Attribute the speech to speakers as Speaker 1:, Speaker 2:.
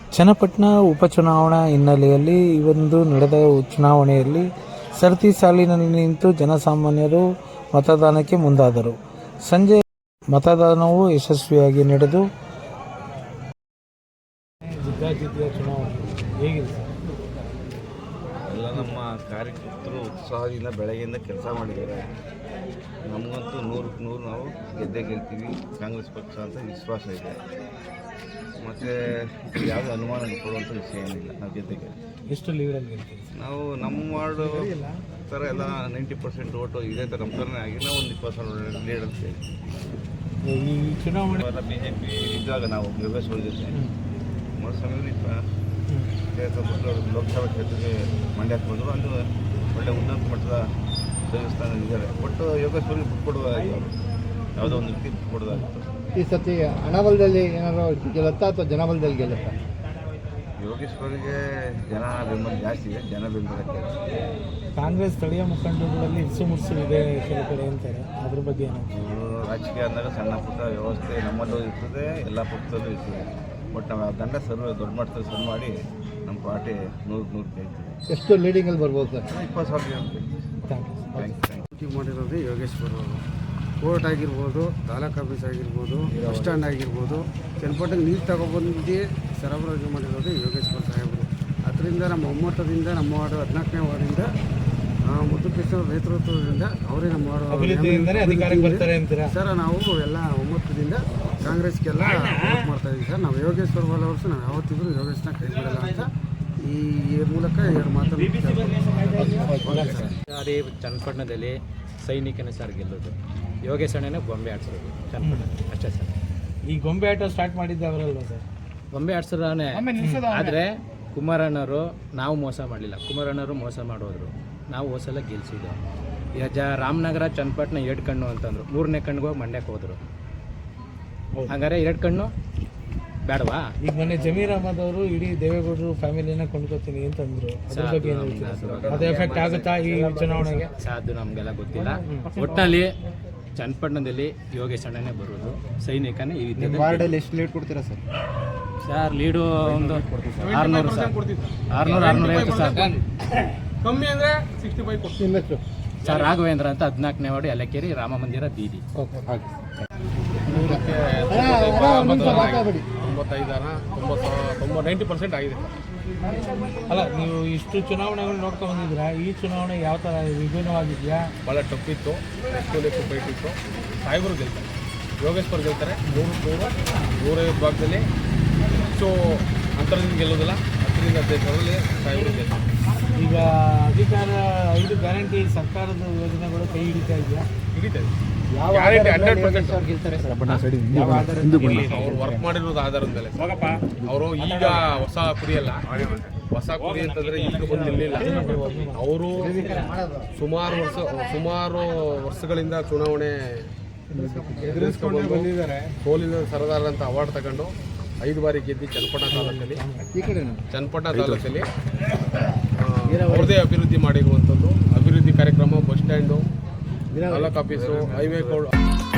Speaker 1: ಚನ್ನಪಟ್ಟಣ ಉಪಚುನಾವಣಾ ಹಿನ್ನೆಲೆಯಲ್ಲಿ ಇಂದು ನಡೆದ ಚುನಾವಣೆಯಲ್ಲಿ ಸರತಿ ಸಾಲಿನಲ್ಲಿ ನಿಂತು ಜನಸಾಮಾನ್ಯರು ಮತದಾನಕ್ಕೆ ಮುಂದಾದರು. ಸಂಜೆ ಮತದಾನವು ಯಶಸ್ವಿಯಾಗಿ ನಡೆದು
Speaker 2: ಎಲ್ಲ ನಮ್ಮ ಕಾರ್ಯಕರ್ತರು ಉತ್ಸಾಹದಿಂದ ಬೆಳಗ್ಗೆಯಿಂದ ಕೆಲಸ ಮಾಡಿದ್ದಾರೆ. ನಮಗಂತೂ 100ಕ್ಕೆ 100 ನಾವು ಗೆಲ್ತೀವಿ. ಕಾಂಗ್ರೆಸ್ ಪಕ್ಷ ಅಂತ ವಿಶ್ವಾಸ ಇದೆ. ಮತ್ತು ಯಾವುದೇ ಅನುಮಾನ ಕೊಡುವಂಥ ವಿಷಯ ಏನಿಲ್ಲ. ನಾವು ಗೆದ್ದಿಗೆ
Speaker 1: ಎಷ್ಟು ಲೀಡಲ್ಲಿ ಗೆಲ್ತೀವಿ
Speaker 2: ನಾವು ನಮ್ಮ ವಾರ್ಡು ಥರ ಎಲ್ಲ 90% ಓಟು ಇದೇ ಥರ ನಮ್ಮ ಥರನೇ ಆಗಿ ನಾವು ಒಂದು 20% ಲೀಡ್ ಅಂತ ಹೇಳ್ತೀವಿ.
Speaker 1: ಈ ಚುನಾವಣೆ
Speaker 2: BJP ಇದ್ದಾಗ ನಾವು ಯೋಗೇಶ್ವರ ಜೊತೆ ಕುಮಾರಸ್ವಾಮಿ ಲೋಕಸಭಾ ಕ್ಷೇತ್ರಕ್ಕೆ ಮಂಡ್ಯಕ್ಕೆ ಬಂದರು. ಅಲ್ಲಿ ಒಳ್ಳೆ ಉನ್ನತ ಮಟ್ಟದ ದೇವಸ್ಥಾನ ಇದ್ದಾರೆ. ಒಟ್ಟು ಯೋಗೇಶ್ವರಿಗೆ ಬಿಟ್ಕೊಡುವಾಗಿತ್ತು, ಯಾವುದೋ ಒಂದು ರೀತಿ ಬಿಟ್ಕೊಡೋದಾಗಿತ್ತು.
Speaker 3: ಈ ಸತಿ ಹಣಬಲದಲ್ಲಿ ಏನಾದರೂ ಗೆಲ್ಲುತ್ತಾ ಅಥವಾ ಜನಬಲದಲ್ಲಿ ಗೆಲ್ಲುತ್ತಾ?
Speaker 2: ಯೋಗೇಶ್ವರಿಗೆ ಜನ ಬೆಂಬಲ ಜಾಸ್ತಿ ಇದೆ. ಜನ ಬೆಂಬಲಕ್ಕೆ
Speaker 1: ಕಾಂಗ್ರೆಸ್ ಸ್ಥಳೀಯ ಮುಖಂಡರುಗಳಲ್ಲಿ ಇಸುಮುರ್ಸು ಇದೆ ಕೆಲವು ಕಡೆ ಅಂತಾರೆ. ಅದ್ರ ಬಗ್ಗೆ
Speaker 2: ರಾಜಕೀಯ ಅಂದಾಗ ಸಣ್ಣ ಪುಟ್ಟ ವ್ಯವಸ್ಥೆ ನಮ್ಮಲ್ಲೂ ಇರ್ತದೆ, ಎಲ್ಲ ಪಕ್ಷದಲ್ಲೂ ಇರ್ತದೆ. ಬಟ್ ನಾವು ಆ ದಂಡ ದೊಡ್ಡ ಮಟ್ಟದಲ್ಲಿ ಸರ್ವ್ ಮಾಡಿ ನಮ್ಮ ಪಾರ್ಟಿ 100ಕ್ಕೆ 100 ಗೆಲ್ತೀವಿ.
Speaker 3: ಎಷ್ಟು ಲೀಡಿಂಗಲ್ಲಿ ಬರ್ಬೋದು ಸರ್?
Speaker 2: 20,000
Speaker 3: ಥ್ಯಾಂಕ್ ಮಾಡಿರೋದು ಯೋಗೇಶ್ವರ ಅವರು. ಕೋರ್ಟ್ ಆಗಿರ್ಬೋದು, ತಾಲೂಕು ಆಫೀಸ್ ಆಗಿರ್ಬೋದು, ಬಸ್ ಸ್ಟ್ಯಾಂಡ್ ಆಗಿರ್ಬೋದು, ಚನ್ನಪಟ್ಟಣಕ್ಕೆ ನೀರು ತಗೊಬಂದು ಸರಬರಾಜು ಮಾಡಿರೋದು ಯೋಗೇಶ್ವರ ಸಾಹೇಬರು. ಅದರಿಂದ ನಮ್ಮ ಒಮ್ಮತದಿಂದ ನಮ್ಮ ವಾರ್ಡು 14ನೇ ವಾರ್ಡಿಂದ ಮುದ್ದುಕೃಷ್ಣ ನೇತೃತ್ವದಿಂದ ಅವರೇ ನಮ್ಮ ವಾರ್ಡು ಸರ್. ನಾವು ಎಲ್ಲ ಒಮ್ಮತದಿಂದ ಕಾಂಗ್ರೆಸ್ಗೆಲ್ಲ ವೋಟ್ ಮಾಡ್ತಾಯಿದ್ದೀವಿ ಸರ್. ನಾವು ಯೋಗೇಶ್ವರ ಫಾಲೋವರ್ಸು. ನಾವು ಯಾವತ್ತಿದ್ರೂ ಯೋಗೇಶ್ನ ಕೈ ಬಿಡಲ್ಲ ಅಂತ ಈ ಮೂಲಕ 2 ಮಾತನ್ನು
Speaker 4: ಅದೇ ಚನ್ನಪಟ್ಟಣದಲ್ಲಿ ಸೈನಿಕನೇ ಸರ್ ಗೆಲ್ಲೋದು. ಯೋಗೇಶ್ ಅಣ್ಣನೇ ಗೊಂಬೆ ಆಡ್ಸೋದು ಚನ್ನಪಟ್ಟಣ ಅಷ್ಟೇ ಸರ್.
Speaker 1: ಈ ಗೊಂಬೆ ಆಟ ಸ್ಟಾರ್ಟ್ ಮಾಡಿದ್ದೆ ಅವರಲ್ವ ಸರ್?
Speaker 4: ಗೊಂಬೆ ಆಡ್ಸೋದೇ. ಆದರೆ ಕುಮಾರಣ್ಣವರು ನಾವು ಮೋಸ ಮಾಡಲಿಲ್ಲ. ಕುಮಾರಣ್ಣವರು ಮೋಸ ಮಾಡೋದ್ರು. ನಾವು ಹೋಸಲ ಗೆಲ್ಸಿದ್ದು. ರಾಮನಗರ ಚನ್ನಪಟ್ಟಣ 2 ಕಣ್ಣು ಅಂತಂದರು. 3ನೇ ಕಣ್ಣಿಗೆ ಹೋಗಿ ಮಂಡ್ಯಕ್ಕೆ ಹೋದರು. ಹಾಗಾದ್ರೆ 2 ಕಣ್ಣು ಬೇಡವಾ?
Speaker 1: ಈಗ ಮೊನ್ನೆ ಜಮೀರ್ ಅಹಮದ್ ಅವರು ಇಡೀ ದೇವೇಗೌಡರು ಫ್ಯಾಮಿಲಿನ ಕೊಂಡ್ಕೋತೀನಿ ಅಂತಂದ್ರು. ಅದ್ರ ಬಗ್ಗೆ ಏನು ಹೇಳ್ತೀರಾ? ಅದು ಎಫೆಕ್ಟ್ ಆಗುತ್ತಾ ಈ ಚುನಾವಣೆಗೆ?
Speaker 4: ಅದು ನಮಗೆಲ್ಲ ಗೊತ್ತಿಲ್ಲ. ಒಟ್ಟಿನಲ್ಲಿ ಚನ್ನಪಟ್ಟಣದಲ್ಲಿ ಯೋಗೇಶ್ ಅಣ್ಣನೇ ಬರೋದು. ಸೈನಿಕನೇ ಈ
Speaker 3: ವಾರ್ಡಲ್ಲಿ ಎಷ್ಟು ಲೀಡ್ ಕೊಡ್ತೀರಾ ಸರ್?
Speaker 4: ಸರ್ ಲೀಡು ಒಂದು 600 ಸರ್. 600-650 ಸರ್.
Speaker 1: ಕಮ್ಮಿ ಅಂದರೆ 65
Speaker 3: ನಿಮ್ಮ ಹೆಸರು?
Speaker 4: ಸರ್ ರಾಘವೇಂದ್ರ ಅಂತ 14ನೇ ವಾರ್ಡು ಯಲಕೆರೆ ರಾಮ ಮಂದಿರ ಬೀದಿ.
Speaker 1: 90% ಆಗಿದೆ. ಅಲ್ಲ, ನೀವು ಇಷ್ಟು ಚುನಾವಣೆಗಳು ನೋಡ್ಕೊಂಡು ಬಂದಿದ್ದೀರಾ. ಈ ಚುನಾವಣೆ ಯಾವ ಥರ ವಿಭಿನ್ನವಾಗಿದೆಯಾ?
Speaker 5: ಭಾಳ ಟಫಿತ್ತು, ಎಷ್ಟು ಫೈಟ್ ಇತ್ತು. ಸಾಹೇಬರು ಗೆಲ್ತಾರೆ, ಯೋಗೇಶ್ವರ್ ಗೆಲ್ತಾರೆ. 150 ಭಾಗದಲ್ಲಿ ಹೆಚ್ಚು ಅಂತರದಿಂದ ಗೆಲ್ಲೋದಿಲ್ಲ. 10-15 ಸಾಹೇಬರು ಗೆಲ್ತಾರೆ.
Speaker 1: ಈಗ ಅಧಿಕಾರ 5 ಗ್ಯಾರಂಟಿ ಸರ್ಕಾರದ ಯೋಜನೆಗಳು ಕೈ ಹಿಡಿತಾ ಇದೆಯಾ?
Speaker 5: ಹಿಡಿತಾ ಇದೆ. ಗ್ಯಾರಂಟಿ 100%
Speaker 3: ಗೆಲ್ತಾರೆ ಸರ್.
Speaker 5: ಅವ್ರು ವರ್ಕ್ ಮಾಡಿರೋದು ಆಧಾರದ ಮೇಲೆ. ಅವರು ಈಗ ಹೊಸ ಕುರಿಯಲ್ಲ. ಹೊಸ ಕುರಿ ಅಂತಂದರೆ ಈಗ ಬಂದಿರಲಿಲ್ಲ. ಅವರು ಸುಮಾರು ವರ್ಷಗಳಿಂದ ಚುನಾವಣೆ ಎದುರಿಸ್ಕೊಂಡು ಬಂದಿದ್ದಾರೆ. ಸೋಲಿನ ಸರದಾರ ಅಂತ ಅವಾರ್ಡ್ ತಗೊಂಡು 5 ಬಾರಿ ಗೆದ್ದು ಚನ್ನಪಟ್ಟಣ ತಾಲೂಕಲ್ಲಿ ಅವ್ರದ್ದೇ ಅಭಿವೃದ್ಧಿ ಮಾಡಿರುವಂಥದ್ದು. ಅಭಿವೃದ್ಧಿ ಕಾರ್ಯಕ್ರಮ, bus stand, taluk office, highway